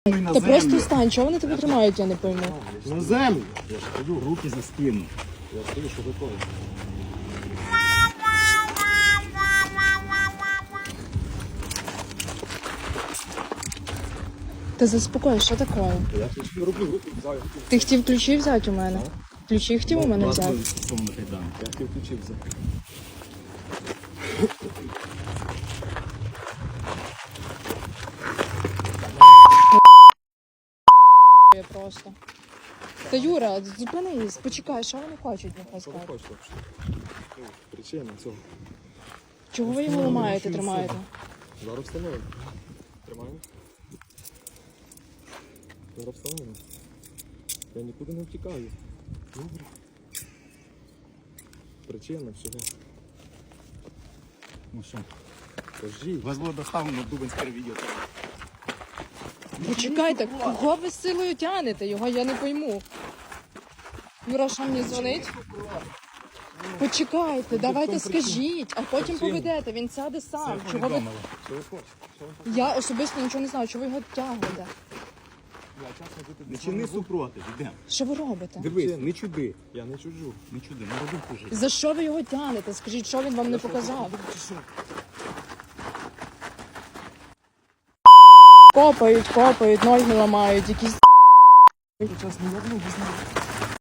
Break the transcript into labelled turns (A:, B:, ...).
A: На
B: Та
A: землю.
B: просто стань, чого вони тебе тримають, я не пойму.
A: На землю.
C: Я ж кажу, руки за спину.
A: Я стою, що готовий.
B: Та заспокой, що таке?
A: Я ключі руки взяв.
B: Ти хотів ключі взяти у мене? Ключі хотів у мене взяти?
A: Я хотів ключі взяти.
B: Я просто. Та Юра, зупинись, почекай, що вони хочуть, нехай
A: Що ви
B: скажуть.
A: хочете взагалі? Причина цього.
B: Чого ви його ламаєте, тримаєте?
A: Зараз встановимо. Тримаємо. Зараз встановимо. Я нікуди не втікаю. Добре. Причина всього.
C: Ну що,
A: Кажіть.
C: вас було доставлено в Дубинське відео.
B: Почекайте, кого ви з силою тянете? Його я не пойму. Юра, що мені дзвонить? Почекайте, давайте скажіть, а потім поведете, він сяде сам. Чого ви...
A: Що ви хочете? Що ви хочете?
B: Я особисто нічого не знаю, чого ви його тягнете.
A: Я чесно бути
C: Не
A: з вами
C: чини
A: був.
C: супротив, йдемо.
B: Що ви робите?
C: Дивись, не чуди.
A: Я не чужу.
C: Не чуди, не роби хуже.
B: За що ви його тягнете? Скажіть, що він вам не показав? Копають, ноги ламають, якісь...
A: Час не одну, без